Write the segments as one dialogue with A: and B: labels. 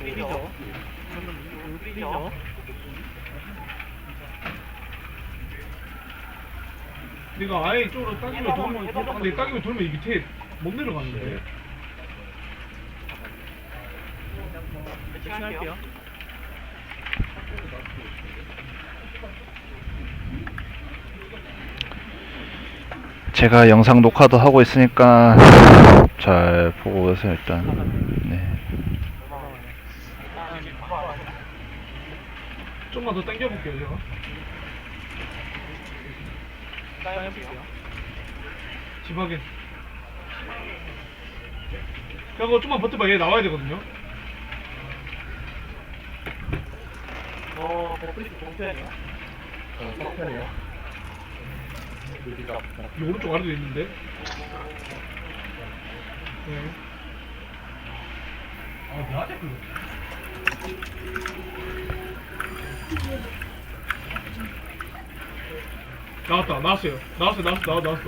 A: 프리저. 프리저.
B: 내가 아예 이쪽으로 따기로 돌면 근데 따기로 돌면 이 밑에 못 내려가는데.
A: 할게요.
C: 제가 영상 녹화도 하고 있으니까 잘 보고 오세요 일단. 네.
B: 좀만 더 당겨볼게요 제가. 집 확인. 그거 좀만 버텨봐. 얘 나와야 되거든요.
A: 프리저 동편이요?
D: 석편이요.
B: 이 오른쪽 아래도 있는데. 네. 아, 나한테 그거. 나왔어요. 나왔어.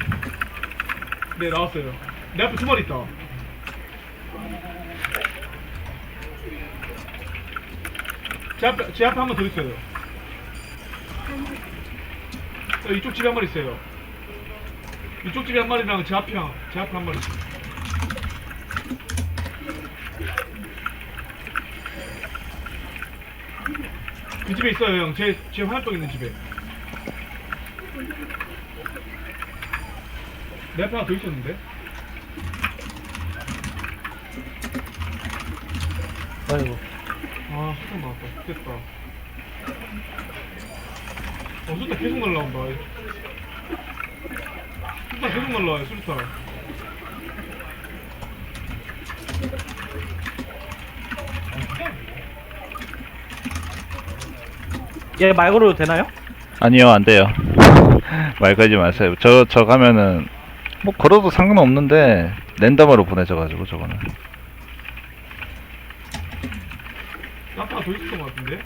B: 네, 나왔어요. 내 앞에 두 마리 있다. 제 앞에 한 번 더 있어요. 이쪽 집에 한 마리 있어요. 이쪽 집에 한 마리랑 제 앞에 한 마리. 그 집에 있어요, 형. 제 화염병 있는 집에. 내 앞에 하나 더 있었는데?
D: 아이고.
B: 아, 수상 나왔다. 됐다. 수타 계속 날라온다. 수타 계속 날라와요, 수타.
A: 얘 말 걸어도 되나요?
C: 아니요 안 돼요. 말 걸지 마세요. 저 가면은 뭐 걸어도 상관없는데 랜덤으로 보내져가지고 저거는.
B: 앞에 하나 더 있었던 것 같은데?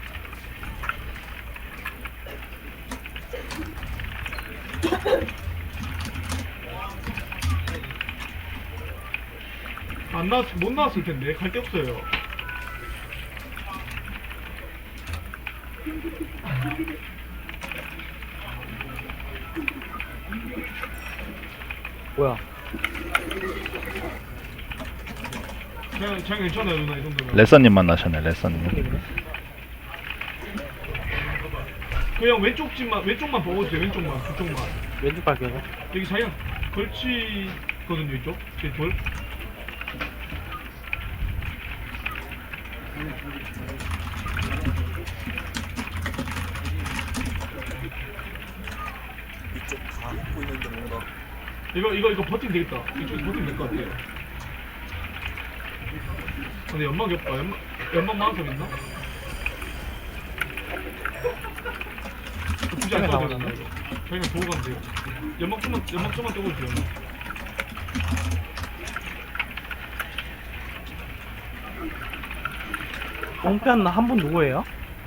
B: 못 나왔을 텐데. 갈 데 없어요.
A: 뭐야?
B: 그냥 괜찮아요, 누나, 이 정도면.
C: 레서님 만나셨네 레서님.
B: 그냥 왼쪽만 보고 있어요, 왼쪽만, 그쪽만.
A: 왼쪽 갈게요.
B: 여기 자기가 걸치거든요, 이쪽. 제 돌.
E: 이쪽 다 입고 있는데 뭔가
B: 이거 버티면 되겠다. 이쪽에서 버티면 될 것 같아요. 근데 연막이 없다. 연막 많은 사람 있나? 굳이 안 써도 되나? 저희가 보고 가면 돼요. 연막 좀만 떼고 주세요.
A: 동편 한 분 누구예요?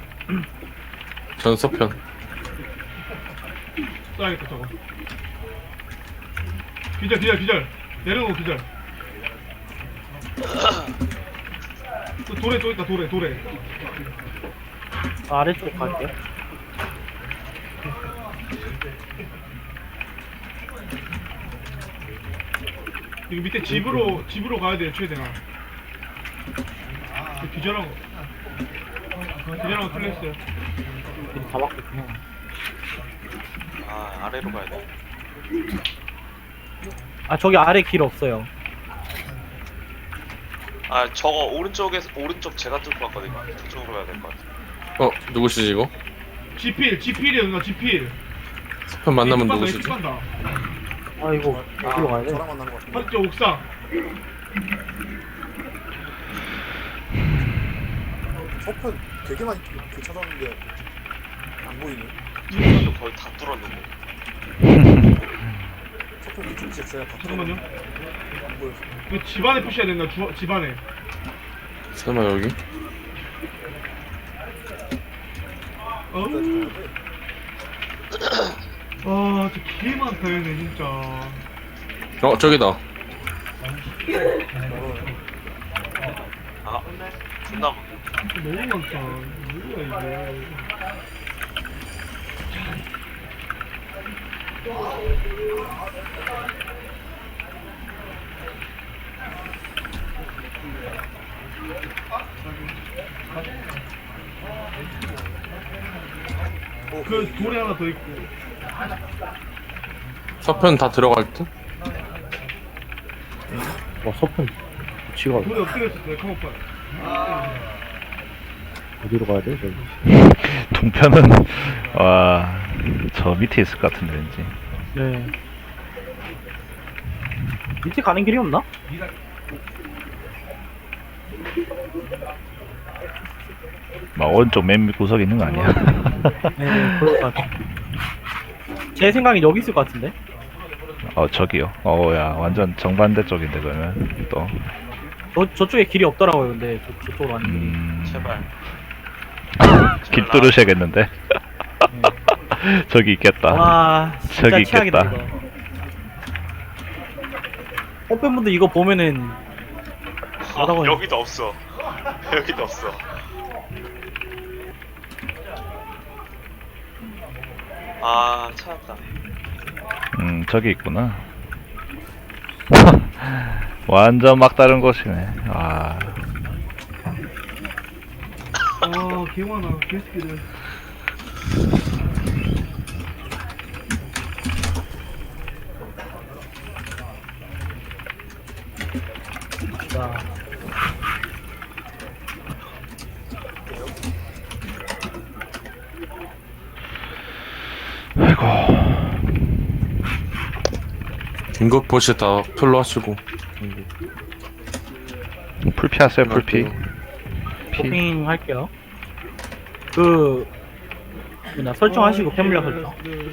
D: 전서편.
B: 써야겠다, 저거. 기절. 내려놓고 기절. 또 돌에 또 있다, 돌에.
A: 아래쪽 갈게요.
B: 여기 밑에 집으로 가야 돼요, 최대한. 기절하고 클래스요.
A: 다 맞겠구나.
E: 아 아래로 가야 돼.
A: 아, 저기 아래 길 없어요.
E: 아 저거 오른쪽 제가 뚫고 왔거든요. 저쪽으로 가야 될 것 같아.
D: 누구시지 이거?
B: 지필이에요, 누나, 지필.
D: 서편 만나면
B: 다
D: 누구시지?
B: 간다.
A: 아이고, 어디로 가야 돼?
E: 저랑 만난 것 같아.
B: 맞죠, 옥상.
E: 저편 되게 많이 찾았는데 안 보이네.
B: 음.
E: 거의 다 뚫었는데. 저편 이쪽 집 제가 다
B: 잠깐만요.
E: 안 보여서.
B: 이거 집안에 표시해야 된다, 집안에.
D: 설마 여기?
B: 어우. 아, 진짜 개 많다, 얘네, 진짜.
D: 저기다.
E: 아 존나
B: 너무 많다. 뭐야 이게. 그 돌에 하나 더 있고.
D: 서편 다 들어갈 듯?
A: 와 서편 위치가
B: 돌에 엎드렸었어요. 카모파.
A: 어디로 가야 돼 저기?
C: 동편은 와 저 밑에 있을 것 같은데 왠지.
A: 네. 밑에 가는 길이 없나?
C: 막 오른쪽 맨 구석에 있는 거 아니야?
A: 네, 그럴 것 같아. 제 생각엔 여기 있을 것 같은데.
C: 저기요. 야 완전 정반대 쪽인데 그러면 또.
A: 저쪽에 길이 없더라고요. 근데 저쪽으로 가는
E: 제발.
C: 길 뚫으셔야겠는데. 저기 있겠다.
A: 와, 진짜
C: 저기
A: 최악이다
C: 있겠다.
A: 이거. 팬분들 이거 보면은 뭐라고 해야
E: 여기도 없어. 여기도 없어. 아, 찾았다.
C: 저기 있구나. 완전 막다른 곳이네. 아,
B: 아, 개 많아. 개새끼들.
A: 자,
C: 아이고.
D: 긴급 보시 다 풀로 하시고.
C: 풀피 하세요, 풀피. 피.
A: 도핑 할게요. 그 설정하시고 팬물량 설정.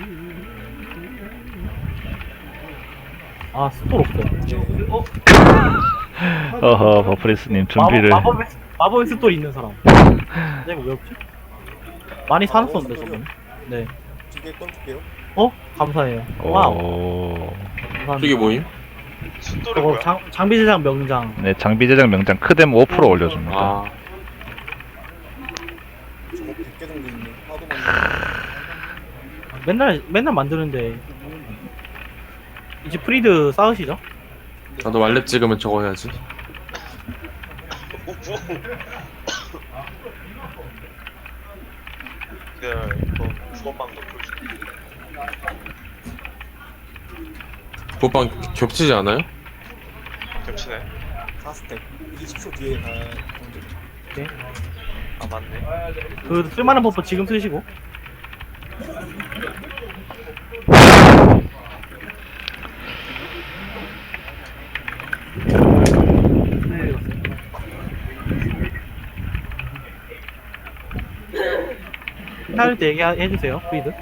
A: 아 스톨 없어.
C: 어허, 버프리스님 준비를.
A: 마법의 스톨 있는 사람. 내가 왜 없지? 많이 사놨었는데 저번에. 네.
F: 두개 꺼줄게요.
A: 감사해요. 와우.
C: 오.
A: 감사합니다.
D: 저기 뭐임?
E: 숫돌이
A: 저거
E: 뭐야?
A: 장비 제작 명장.
C: 네, 장비 제작 명장 크뎀 5% 올려줍니다.
D: 아,
F: 저거 100개 정도 있네. 하도 많이.
A: 맨날 만드는데 이제 프리드 쌓으시죠?
D: 나도 말렙 찍으면 저거 해야지.
E: 이거 주먹방도 풀지.
D: 보방 겹치지 않아요?
E: 겹치네.
F: 4스택. 20초 뒤에 가야 정도.
E: 아, 맞네.
A: 그 쓸만한 버프 지금 쓰시고. 할 때 얘기해주세요, 프리드.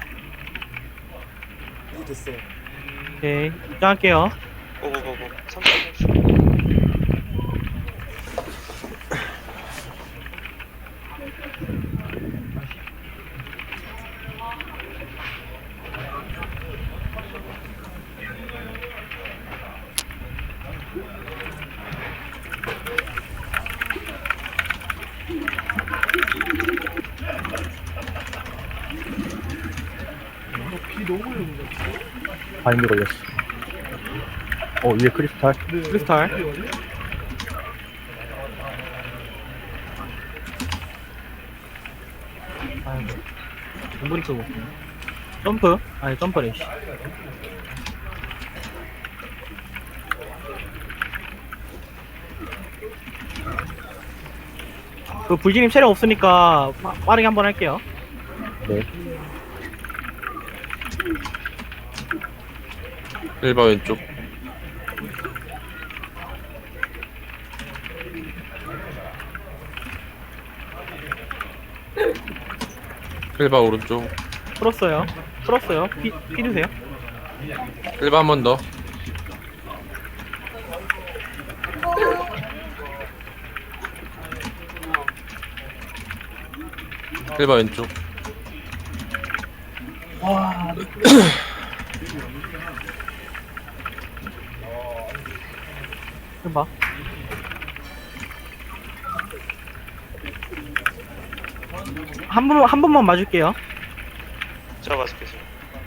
F: 이게 됐어요.
A: 오케이, 입장할게요.
E: 고고고고. 3초.
B: 비 너무 오는데.
A: 바인드 걸렸어. 위에 크리스탈. 크리스탈. 아이고. 공부리 쓰고. 점프? 아니, 점프래, 씨. 그 불지님 체력 없으니까 빠르게 한번 할게요. 네.
D: 1번 왼쪽. 일바 오른쪽.
A: 풀었어요. 풀었어요. 피 드세요.
D: 1바 한 번 더. 일바 왼쪽.
A: 와. 봐. 한 번만 맞을게요.
E: 제가 맞을게요. 제가.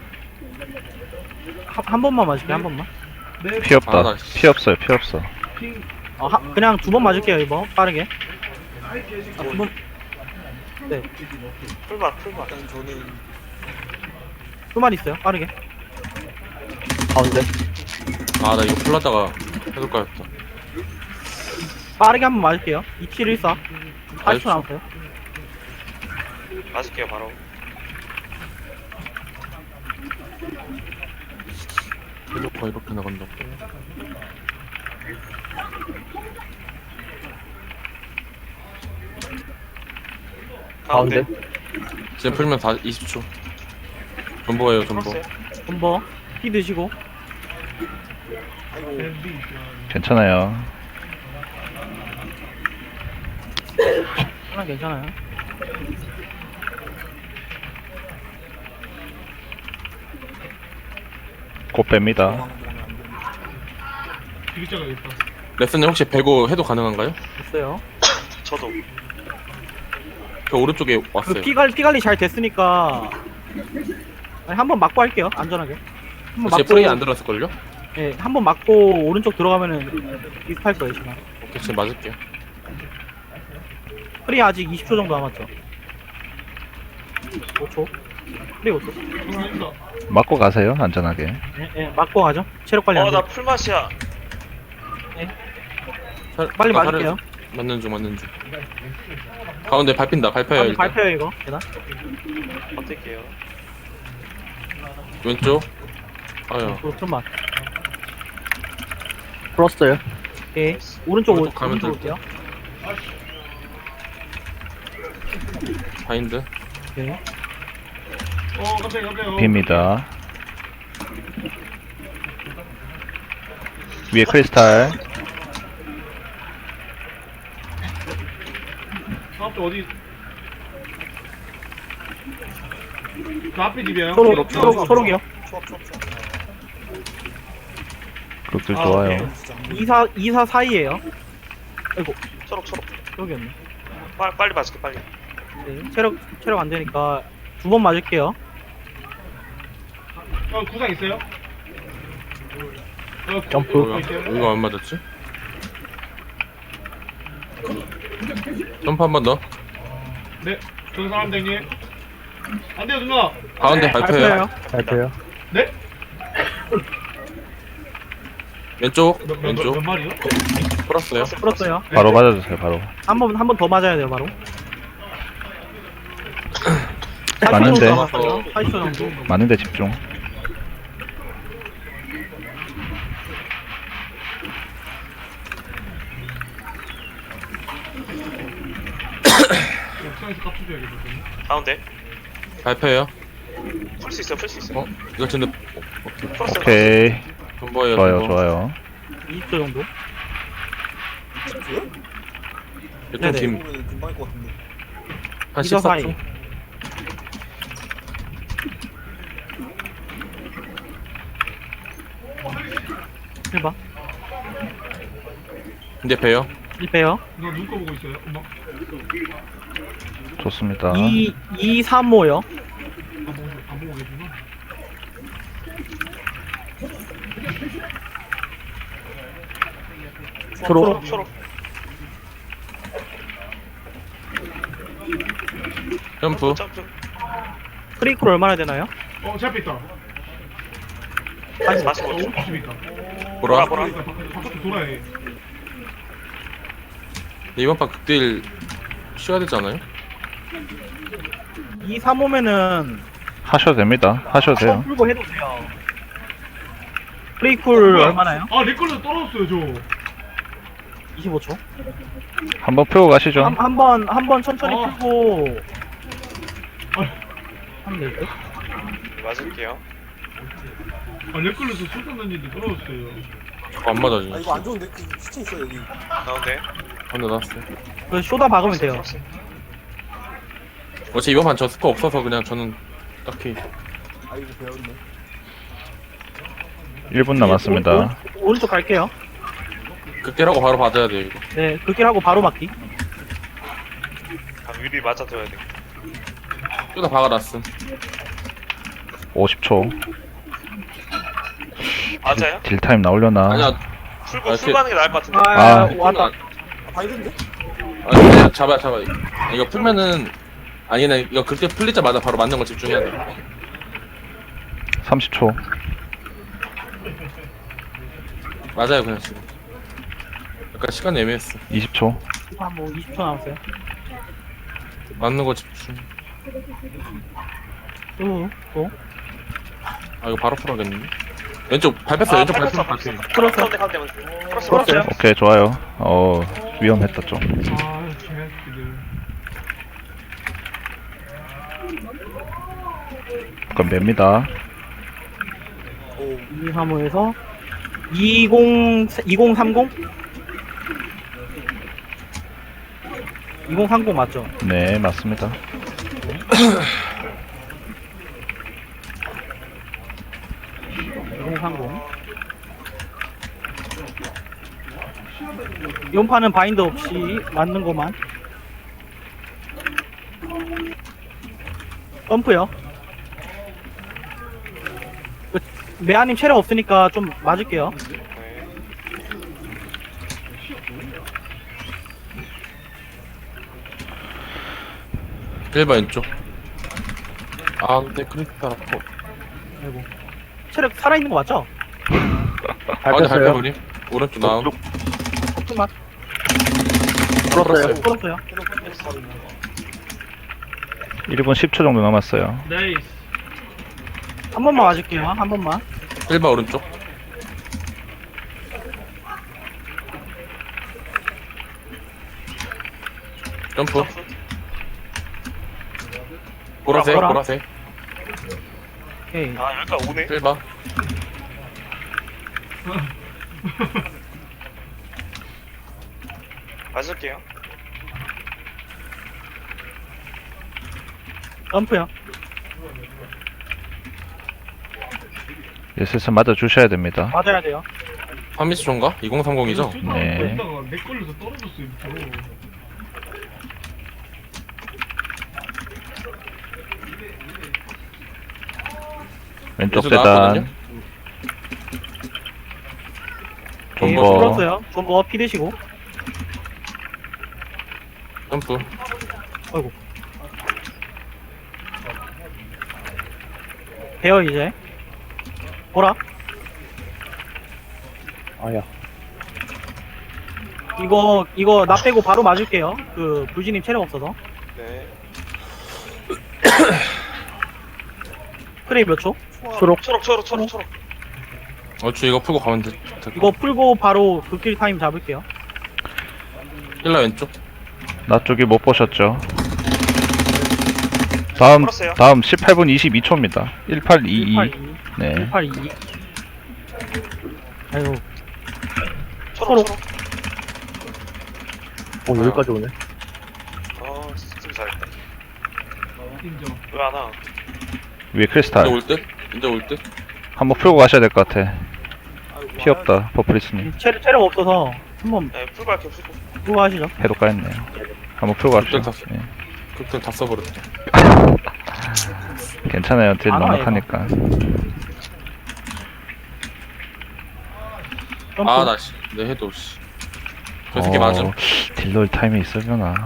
A: 한 번만 맞을게, 한 번만.
B: 네.
C: 피 없다.
D: 아, 나 씨.
C: 피 없어요. 피 없어.
B: 핑.
A: 그냥 2번 맞을게요, 이번. 빠르게. 2번. 네.
E: 풀만.
F: 일단 저는
A: 수만 있어요, 빠르게.
G: 가운데.
D: 아, 나 이거 풀라다가 해볼까였다.
A: 빠르게 한 번 맞을게요. 2714. 40초 남았어요.
E: 맞을게요 바로.
D: 해놓고 이렇게 나간다고.
E: 가운데.
D: 지금 풀면 20초. 전보예요, 전보.
E: 풀었어요.
A: 한번 피 드시고.
F: 아이고
B: 밴디.
C: 괜찮아요.
A: 하나 괜찮아요.
C: 곧 뺍니다.
F: 도망가면 안 됩니다.
B: 비기자가겠다.
D: 레슨님 혹시 배고 해도 가능한가요?
A: 됐어요.
E: 저도.
D: 그 오른쪽에 왔어요.
A: 그 피 관리 잘 됐으니까. 한 번 맞고 할게요, 안전하게. 한 번
D: 제 프레이 안 들어왔을걸요?
A: 예, 한 번 맞고 오른쪽 들어가면은 비슷할 거예요, 지금.
D: 오케이, 지금 맞을게요.
A: 프리 아직 20초 정도 남았죠. 5초. 프리 5초.
B: 들어간다.
C: 맞고 가세요. 안전하게.
A: 예, 예, 맞고 가죠. 체력 관리 안 돼.
E: 나 풀맛이야.
A: 빨리 맞을게요.
D: 맞는 중. 가운데 밟힌다, 밟혀요,
A: 한번
D: 일단.
A: 발표요, 이거. 계단.
E: 버틸게요.
D: 왼쪽. 아유,
A: 좀만.
G: 풀었어요.
A: 오케이. 오른쪽
D: 오른쪽 가면
A: 오른쪽
D: 될
A: 올게요.
D: 바인드.
A: 오케이.
B: 깜짝이야.
C: 빕니다. 위에 크리스탈.
B: 앞에 어디? 그 앞에 집이에요.
A: 초록이요.
F: 초합
C: 그것들
A: 아,
C: 좋아요.
A: 오케이. 24 사이에요. 아이고,
E: 초록.
A: 초록이었네.
E: 빨리 맞을게 빨리.
A: 네, 체력 안 되니까 2번 맞을게요.
B: 구상 있어요?
G: 점프.
D: 이거 안 맞았지? 점프 한 번 더.
B: 네. 저는 사람댕님. 안 돼요 누나.
D: 가운데 밟혀요.
G: 발표요.
B: 네?
D: 왼쪽.
B: 몇
D: 왼쪽.
B: 마리요?
D: 풀었어요.
A: 풀었어요.
C: 바로 맞아주세요. 바로.
A: 한 번 더 맞아야 돼요, 바로.
C: 맞는데.
A: 40초 정도.
C: 맞는데 집중.
B: 옥상에서 깝쳐줘야겠다.
E: 가운데.
D: 밟혀요.
E: 풀 수 있어.
D: 어? 이거 진짜
E: 풀었어요.
C: 오케이.
D: 전보예요.
C: 좋아요.
D: 전보.
C: 좋아요.
A: 20초 정도.
D: 좀
A: 네네.
D: 긴.
F: 보면 금방 할 것 같은데.
D: 한
A: 24 사이.
D: 14초.
A: 해봐.
D: 이제 배요.
A: 1배요.
B: 누나 눈꺼 보고 있어요. 엄마.
C: 좋습니다.
A: 2, 3, 5요.
B: 안 보고 계시나?
A: 초록.
D: 점프.
E: 점프.
A: 프리콜 얼마나 되나요?
B: 제 앞에 있다.
E: 45초.
B: 50 있다.
D: 보라.
E: 보라.
B: 바깥에 돌아야 해.
D: 이번 판 극딜 쉬어야 되지 않아요?
A: 2, 3, 5면은
C: 하셔도 됩니다. 하셔도 돼요.
A: 풀고 해도 돼요. 프리콜
B: 뭐야?
A: 얼마나요?
B: 내 걸로 떨어졌어요 저.
A: 25초.
C: 한번 풀고 가시죠.
A: 한 번 천천히
B: 어.
A: 풀고
B: 아,
A: 하면 될 듯?
E: 맞을게요.
B: 내 걸로 저 술탄 던지는데 떨어졌어요.
D: 저거 안 맞아지.
F: 이거 안 좋은데 그 시체 있어 여기.
E: 가운데.
D: 근데 나왔어요.
A: 그 쇼다 박으면 돼요.
E: 풀었어요.
D: 어차피 이번 판 저 스코 없어서 그냥 저는 딱히
F: 아이고 배웠네.
C: 1분 남았습니다.
A: 오른쪽 갈게요.
D: 극딜하고 바로 받아야 돼요 이거.
A: 네, 극딜하고 바로 맞기.
E: 유리 맞아줘야 돼.
D: 다 박아놨음.
C: 50초.
E: 맞아요?
C: 딜타임 나오려나?
D: 아니야.
E: 풀고
D: 아,
E: 풀 가는 게 나을 것 같은데.
A: 아,
C: 아.
A: 왔다.
F: 바이든데?
D: 아니 그냥 잡아. 이거 풀면은 아니네. 이거 그때 풀리자마자 바로 맞는 거 집중해야 돼.
C: 30초.
D: 맞아요 그냥 지금. 약간 시간 애매했어.
C: 20초.
A: 뭐 20초 남았어요.
D: 맞는 거 집중.
A: 또.
D: 아 이거 바로 풀어야겠는데. 왼쪽 밟혔어. 왼쪽 밟혔어.
A: 풀었어.
E: 가운데 가운데 풀었어.
A: 풀었어요.
C: 오케이, 좋아요. 위험했다, 좀.
B: 아 개새끼들.
C: 그럼 맵니다.
F: 오,
A: 235에서 2030? 2030 맞죠?
C: 네, 맞습니다.
A: 이번 판은 바인드 없이 맞는 것만. 점프요. 메아님 체력 없으니까 좀 맞을게요.
E: 네.
D: 일반 왼쪽. 아 근데 크리스탈 아파.
A: 아이고. 체력 살아있는 거 맞죠?
D: 가운데
G: 밟혔어요.
D: 밟혀버림. 오른쪽 나옴.
A: 조금만.
G: 풀었어요.
A: 풀었어요.
C: 1분 10초 정도 남았어요.
B: 나이스.
A: 한 번만 맞을게요. 한 번만.
D: 일반 오른쪽. 점프. 보라색
A: 보라.
D: 보라색.
A: 오케이.
E: 아 여기까지 오네.
D: 일반.
E: 맞을게요.
A: 점프요.
C: 예, 슬슬 맞아주셔야 됩니다.
A: 맞아야 돼요.
D: 파미스존가? 2030이죠?
C: 네.
B: 이따가 내 걸려서 떨어졌어 밑으로.
C: 왼쪽
D: 계속 나왔거든요?
C: 계단.
A: 네,
C: 존버.
A: 풀었어요. 존버 피 드시고.
D: 점프.
A: 아이고. 돼요 이제. 보라.
G: 아야.
A: 이거 나 빼고 바로 맞을게요. 그 불지님 체력 없어서.
E: 네.
A: 프레이 몇 초?
E: 초록.
D: 어쭈 이거 풀고 가면 돼.
A: 이거 풀고 바로 극딜 타임 잡을게요.
D: 힐라 왼쪽.
C: 나 쪽이 못 보셨죠? 다음
E: 풀었어요.
C: 18분 22초입니다. 1822.
A: 182.
C: 네.
A: 182. 아이고.
E: 초록.
G: 오, 여기까지 오네.
E: 아 진짜 잘했다.
B: 인정.
E: 왜 안 와?
C: 위에
D: 이제
C: 크리스탈.
D: 올 듯? 이제 올 듯?
C: 한번 풀고 가셔야 될 것 같아.
F: 아이고,
C: 피 없다, 버프리스님.
A: 체력 없어서 한번
E: 네 풀고 할게요 풀고.
A: 풀고 하시죠.
C: 해도 까였네요. 한번 풀고 갑시다.
D: 다-
C: 예.
D: 그때 다 써버렸다.
C: 괜찮아요. 딜
A: 안 와요,
C: 넉넉하니까.
A: 점프.
D: 아, 나 씨. 내 해도 씨. 저 새끼 맞음.
C: 딜러일 타임이 있으려나.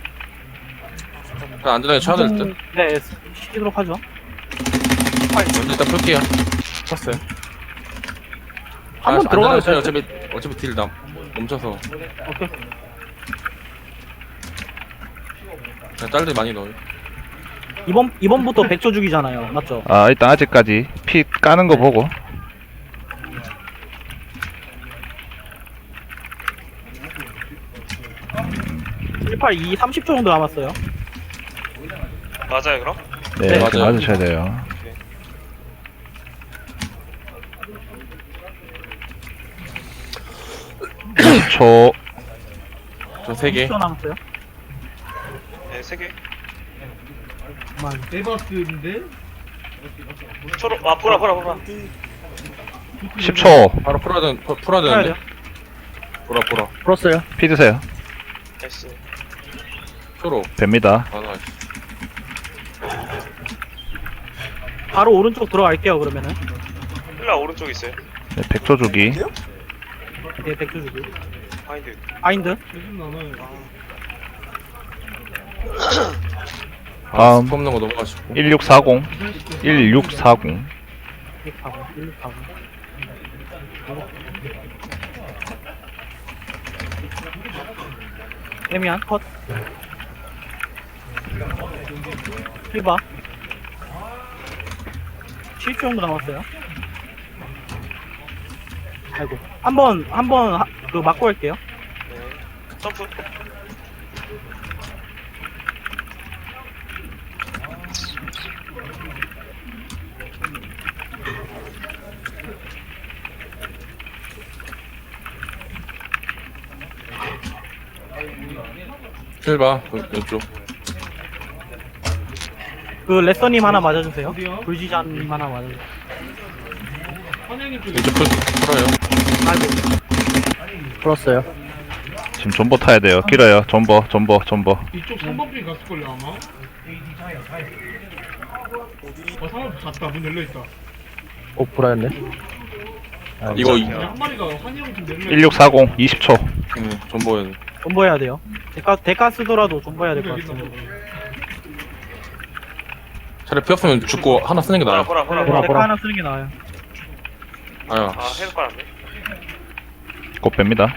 D: 그냥 안전하게 쳐야 될 듯.
A: 네, 시키도록 하죠.
D: 먼저 일단 풀게요. 쳤어요.
A: 한번 들어가면
D: 쳐요.
A: 돼요.
D: 어차피 딜 멈춰서.
A: 오케이.
D: 그냥 짤들 많이 넣어요.
A: 이번부터 100초 주기잖아요. 맞죠?
C: 아, 일단 아직까지 피 까는 거 보고.
A: 182 30초 정도 남았어요.
E: 맞아요 그럼?
C: 네,
A: 네,
C: 이렇게
D: 맞아요.
C: 맞으셔야 돼요. 초
D: 저 3개.
A: 30초 남았어요.
E: 네 3개.
A: 정말.
B: 에바스인데.
E: 초록. 아 보라.
C: 10초
D: 바로 풀어야
A: 해야
D: 되는데.
A: 돼요.
D: 보라.
G: 풀었어요.
C: 피 드세요.
E: 됐어.
D: 초로.
C: 뵙니다.
D: 아, 나
A: 바로 오른쪽 들어갈게요 그러면은.
E: 힐라 오른쪽 있어요.
C: 네, 100초 주기.
A: 네, 백조 주기.
E: 파인드.
A: 바인드.
B: 요즘 나는
C: 다음
D: 뽑는 거 넘어가시고.
C: 1640. 1640.
A: 1640. 1640. 데미안 컷. 힐바. 7초 정도 남았어요. 아이고. 한번 그 맞고 갈게요.
E: 네. 점프.
D: 힐 봐. 이쪽.
A: 그 레서님 하나 맞아주세요.
B: 어디요?
A: 불지자님 하나 맞아주세요.
B: 한양님 쪽에
D: 이쪽 풀어요.
A: 아이고.
G: 풀었어요.
C: 지금 존버 타야 돼요. 길어요. 존버.
B: 이쪽 3번 핀 갔을걸요 아마.
F: 어디?
B: 상업 갔다. 문 열려있다.
G: 불안했네.
D: 이거
B: 한 마리가 한양 좀 열려있다.
C: 1640. 20초.
D: 존버해야 돼.
A: 존버해야 돼요. 대가 쓰더라도 존버해야 될 것 같아요.
D: 차라리 피었으면 죽고 하나 쓰는 게 나아요.
E: 보라.
A: 대가 하나 쓰는 게 나아요.
D: 아야.
E: 아 해석 깔았네.
C: 곧 뺍니다.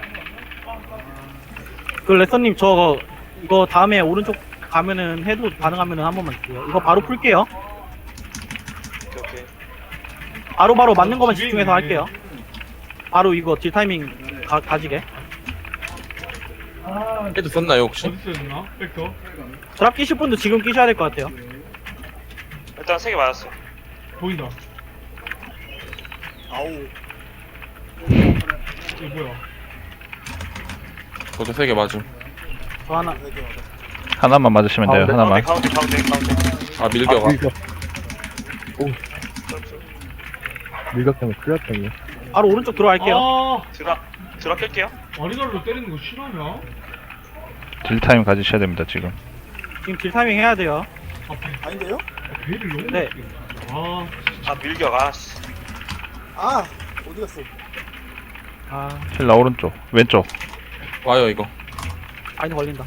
A: 그 레서님 저 이거 다음에 오른쪽 가면은 해도 가능하면은 한 번만 주세요. 이거 바로 풀게요.
E: 오케이.
A: 바로 맞는 것만 집중해서 할게요. 바로 이거 딜 타이밍 가지게.
D: 헤드 썼나요 혹시?
B: 어디 있었나? 벡터.
A: 드랍 끼실 분도 지금 끼셔야 될 것 같아요.
E: 일단 3개 맞았어.
B: 보인다.
F: 아우.
B: 이거 뭐야?
D: 저도 3개 맞음.
A: 저 하나.
F: 되게 맞아.
C: 하나만 맞으시면 돼요. 하나만.
E: 가운데.
D: 아 밀겨가.
G: 밀격 때문에 클리어 때문에.
A: 바로 오른쪽 들어갈게요.
B: 아,
E: 드랍 깰게요.
B: 와리가리로 때리는 거 싫어하냐?
C: 딜 타임 가지셔야 됩니다. 지금.
A: 지금 딜 타이밍 해야 돼요.
F: 아닌데요?
B: 배를 너무
A: 네.
B: 네. 아,
E: 아 밀격. 아씨.
F: 아 어디 갔어?
A: 아,
C: 힐라 오른쪽. 왼쪽.
D: 와요 이거.
A: 아니 걸린다.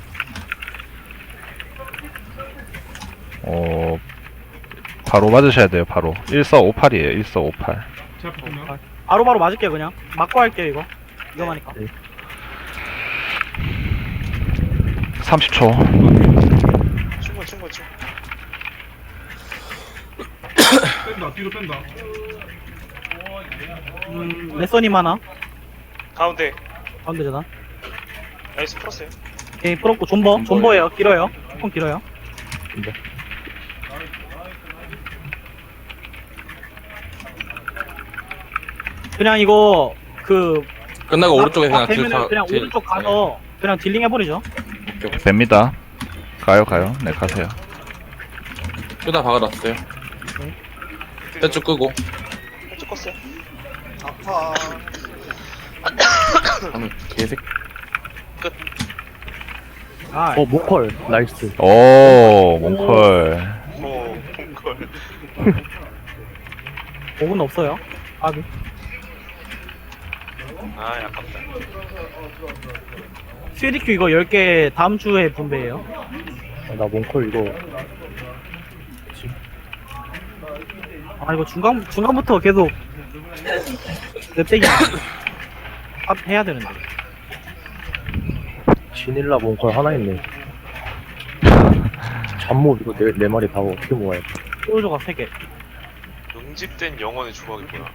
C: 바로 맞으셔야 돼요. 바로. 1458이에요. 1458.
B: 제 앞에 보면.
A: 바로 맞을게요 그냥. 맞고 할게요 이거. 위험하니까.
C: 30초.
E: 충분.
B: 뺀다, 뒤로 뺀다.
A: 레서님 하나.
E: 가운데.
A: 가운데 재단.
E: 나이스 풀었어요.
A: 오케이 풀었고 존버예요. 길어요. 조금 길어요. 그냥 이거 그
D: 끝나고 오른쪽에 그냥 딜
A: 되면은 그냥
D: 딜-
A: 오른쪽 가서 그냥 딜링 해버리죠.
D: 네. 오케이.
C: 뺍니다. 가요. 네, 가세요.
D: 끄다 박아놨어요. 떼쭉 끄고.
E: 쭉 껐어요.
F: 아파.
D: 하는 개색.
A: 아,
G: 몽컬. 나이스.
C: 오, 몽컬.
E: 오 콩걸.
A: 5분 없어요. 아비.
E: 아 아깝다.
A: CDQ 이거 10개 다음 주에 분배해요.
G: 나 몽컬 이거.
A: 아 이거 중간부터 계속 냅대기 해야 되는데.
G: 지닐라 몽컬 하나 있네. 잠못 이거 네 마리 다 어떻게 모아야 돼?
A: 소유조각 3개.
E: 응집된 영혼의 주먹이구나.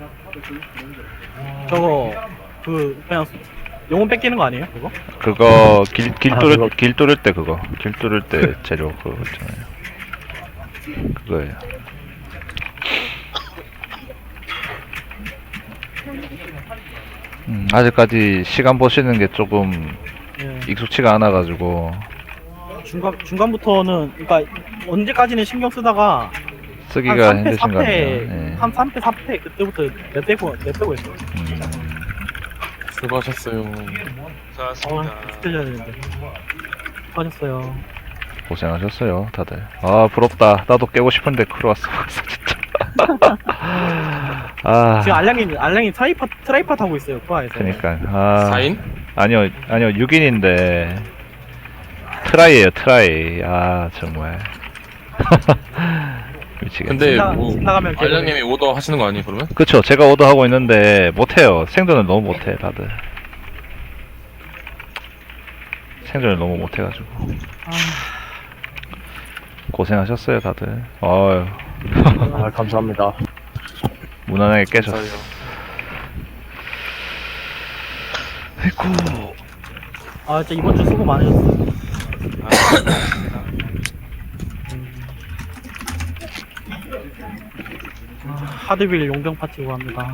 A: 저거 그냥 영혼 뺏기는 거 아니에요? 그거?
C: 그거 길
G: 그거.
C: 뚫을 때 그거. 길 뚫을 때 재료 그거 있잖아요. 그거예요. 아직까지 시간 보시는 게 조금
A: 예.
C: 익숙치가 않아가지고
A: 중간부터는 그러니까 언제까지는 신경 쓰다가
C: 쓰기가
A: 한 3패,
C: 힘드신 것 같아요.
A: 4패,
C: 예.
A: 한 3패, 4패 그때부터 냅빼고 했어요.
D: 수고하셨어요.
E: 수고하셨습니다.
A: 익숙해져야 되는데. 수고하셨어요.
C: 고생하셨어요, 다들. 아, 부럽다. 나도 깨고 싶은데 크루 왔어. 진짜. 아,
A: 지금 알량이 트라이팟 하고 있어요, 코아에서.
C: 그니까. 아,
D: 4인?
C: 아니요, 6인인데. 트라이에요, 트라이. 아, 정말. 미치겠네.
D: 근데 뭐
A: 나가면
D: 알량님이 오더 하시는 거 아니에요 그러면?
C: 그쵸, 제가 오더하고 있는데, 못해요. 생존을 너무 못해, 다들. 생존을 너무 못해가지고. 고생하셨어요, 다들. 어휴.
G: 아, 감사합니다.
C: 무난하게 깨셨어.
D: 감사해요.
C: 아이고.
A: 아, 진짜 이번 주 수고 많으셨어요. 하드빌 용병 파티고 합니다.